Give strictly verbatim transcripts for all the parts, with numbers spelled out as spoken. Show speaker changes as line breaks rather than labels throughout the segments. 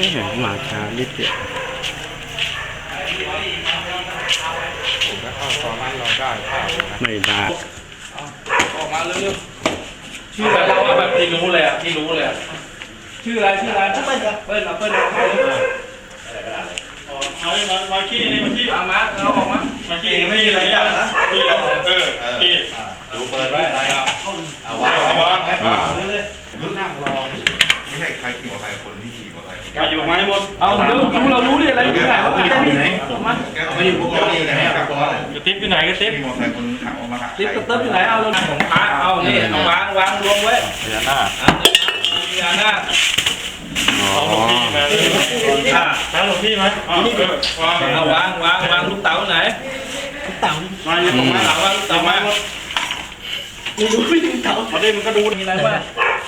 แหมมาช้านิดเดียว
ผมก็เข้าตอนนั้นเราได้ข้าว
ไม่ได้
ออกมาเร็วๆชื่ออะไรเราแบบที่รู้เลยอ่ะที่รู้เลยชื่ออะไรชื่ออะไรเปิ้ลเปิ้ลเปิ้ลเอาเลยมามาขี้นี่มาขี้มามาเอาออกมามาขี้ไม่มีอะไรยากนะขี้เราเออขี้ดูเปิดไว้อะไรอ่ะเอาวางวางให้ป่าเลยลุกนั่งรอไม่ใช่ใครขี่มอเตอร์ไซค์คนที่ขี่มอเตอร์ไซค์มาอยู่ไหมหมดเอาเดี๋ยวรู้เรารู้ดิอะไรอยู่ไหนว่าไปอยู่ไหนมาไม่อยู่พวกเราอยู่ไหนครับกระติ๊บอยู่ไหนกระติ๊บมอเตอร์ไซค์คนขับออกมาขับติ๊บกระติ๊บอยู่ไหนเอาเราของพระเอานี่เอาวางวางรวมไว้พญานาคพญานาคเอาหลวงพี่มาแล้วหลวงพี่ไหมเอาวางวางวางลูกเต๋าไหนลูกเต๋ามาอย่าบอกมาเต๋าว่าลูกเต๋ามาไม่รู้ไม่รู้เต๋าพอได้มันก็ดูมีอะไรบ้าง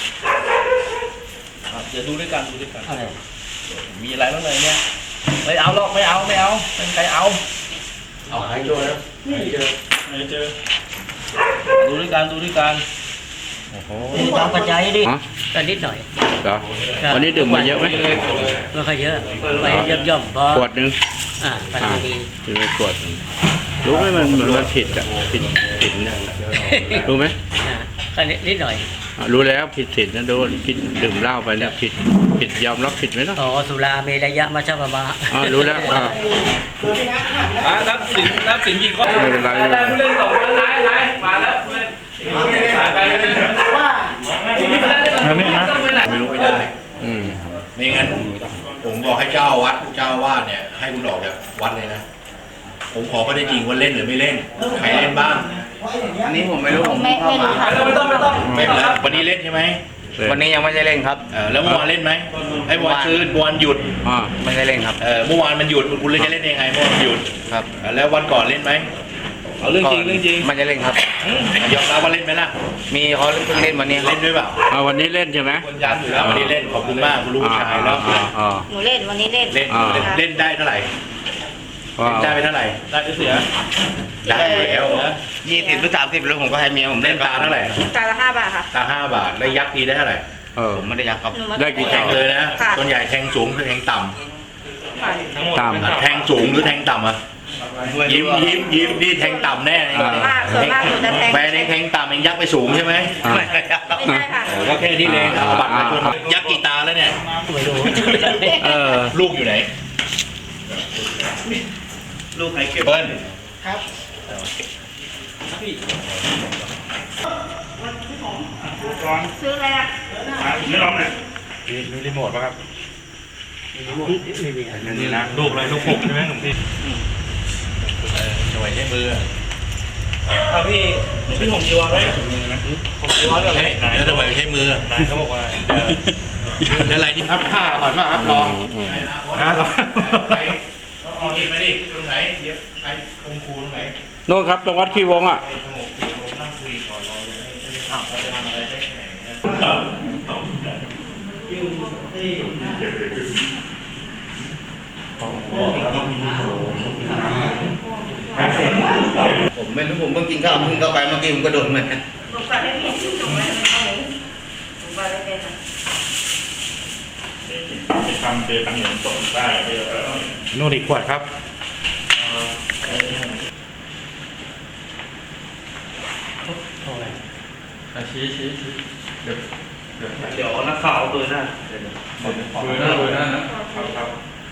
เดี๋ยวดูด้วยกันดูด้วยกันมีอะไรบ้างเลยเนี่ยไม่เอาหรอกไม่เอาไม่เอาเป็นใครเอาเอาหายเจอแล้วหายเจอหายเจอดูด้วยกันดูด้วยกัน
โอ้โหตามปัจจัยดิก็นิดหน่อย
เหรอวันนี้ดื่มมาเยอะไหม
ไม่ค่อยเยอะไปย่อมๆพอ
ขวดนึง
อ่าพอดี
ดื่มไปขวดรู้ไหมมันเหมือนมันผิดอ่ะผิดผิดเนี่ยรู้ไหม
ก็นิดหน่อย
รู้แล้วผิดศีลนะโดนผิดดื่มเหล้าไปแล้วผิดผิดยอมรับผิดไหมล่ะ
อ๋อสุราเมรยะมัชฌะปมา
อ๋อรู้แล้วอ่า
รับสินรับสินกี่ข้อไม่เป็นไรได้ผู้เล่นสองคนไล่ไล่มาแล้วผู้เล่นสายไปเลยว่าไม่นะ
ไม่รู้ไม่ได้อืมไม่งั้นผมบอกให้เจ้าวัดเจ้าวาดเนี่ยให้คุณออกจากวัดเลยนะผมขอก็ได้จริงว่าเล่นหรือไม่เล่นใครเล่นบ้าง
อันนี้ผมไม่รู้ผมเข้ามา
ไม่ต้องไม่ต้อง
ไม่เป็นไรวันนี้เล่นใช่ไหม
วันนี้ยังไม่ได้เล่นครับ
เออแล้วเมื่อวานเล่นไหมไอ้เมื่อวานคือวันหยุด
อ่า
ไม่ได้เล่นครับ
เออเมื่อวานมันหยุดคุณเล่นจะเล่นยังไงเมื่อวานหยุด
ครับ
แล้ววันก่อนเล่นไหม
เอาเรื่องจริงเรื่องจริง
ไม่ได้เล่นครับ
ยอมรับว่าเล่นไหมล่ะ
มีเขาเพิ่งเล่นวันนี้
เล่นด้วยเปล่า
เอาวันนี้เล่นใช่ไหม
วันนี้เล่นขอบคุณมากคุณลูกชายแล้ว
หนูเล่นวันนี้เล่น
เล่นเล่นได้เท่าไหร่ได้ไปเท่าไหร่
ได้เสีย
ได้แล้ว
ยี่สิบหรือสามสิบแล้วผมก็ให้เมียผม
เล่นตาเท่าไหร่
ตาละห้าบาทค่ะ
ตาห้าบาทแล้วยักษ์ทีได้เท่าไหร่
เออ
ผมไม่ได้ยักษ์ครับ
ได้กี่
แทงเลยนะส่วนใหญ่แทงสูงหรือแทงต่ำ
ต่ำ
แทงสูงหรือแทงต่ำอ่ะยิ้มยิ้มยิ้มนี่แทงต่ำแน่แปลในแทงต่ำเองยักษ์ไปสูงใช่ไหม
ไม่ใช่ค่ะ
ก็แค่นี้เลยบัตรมาชนยักษ์กี่ตาแล้วเนี่ยลูกอยู่ไหนลูกไหนเก็บเบิ้ลครับ
ซื้ออะไรอ่ะ
ไม่ร้องเลยมีรีโมทป่ะครับมีรีโมทนี่นะลูกอะไรลูกหกใช่ไหมหนุ่มพี่
ช่วยใช้มือ
เอาพี่พี่ผมจีวรไว้ผมจีวรอะไร
แล้วทำไมใช้มือน
ายเขาบอกว่า
อะไรที่อัพผ้าก่อนมาอัพลอง
นะลอง
เอาหยิบมาดิตรงไหนเดี๋ยวไอ้คงคูตรงไหน
โน่นครับตรงวัดขี้วงอ่ะ
ผมไม่รู้ผมเพิ่งกินข้าวเพิ่งเข้าไปเมื่อกี้ผมก็โดนมัน
ลูกไปไม่ผิดลูกไปลูกไปไม่เป็น
ไปทำเจตังเหนียวส่งได้โน่นอีกขวดครับชี้ชี้ชี้เดี๋ยวเดี๋ยวนักข่าวเบอร์หน้าเบอร์หน้าเบอร์หน้านะครับครับ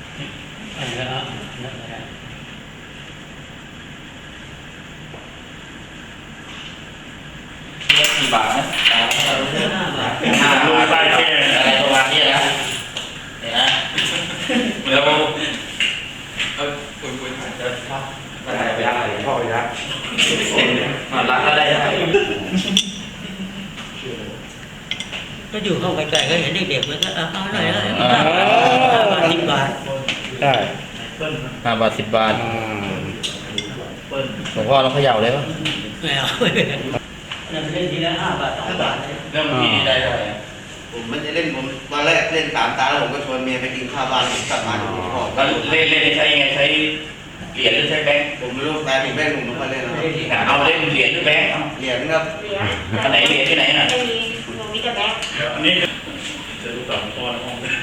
กี่บาทนะดูใต้แค่
อะไรประมาณนี้นะเนี่ยนะ
แล้วเออคุยคุยถ่ายจะครับได้ไปได้พ่อไปได้
รักก็ได้
ก็อยู่ห้องไกลๆก็เห็นเด็กๆมันก็เอาหน่อยเลยสิบบาท
ได้
ห้าบาทสิบบาทหลวงพ่อเราเขย่าเลยปะ
ไม่เอาเล่นทีละห้าบาทสองบาท
เริ่มที่ได้เลยผมไม่ได้เล่นผมตอนแรกเล่นสามตาแล้วผมก็ชวนเมียไปกินข้าวบ้านผมกลับมาถึงหลวงพ่อ
เล่นเล่นใช้ยังไงใช้เหรียญหรือใช้แบงค์
ผมไม่รู้แต่ถึงแบงค์ผมต้องมาเล่นแล้ว
เอาเล่นเหรียญหรือแบงค์
เหรียญครับ
อันไหนเหรียญที่ไหนน่ะ
ไม่มีหนูมีแต่แบงค์
อันนี้จะดูต่อพ่อในห้อง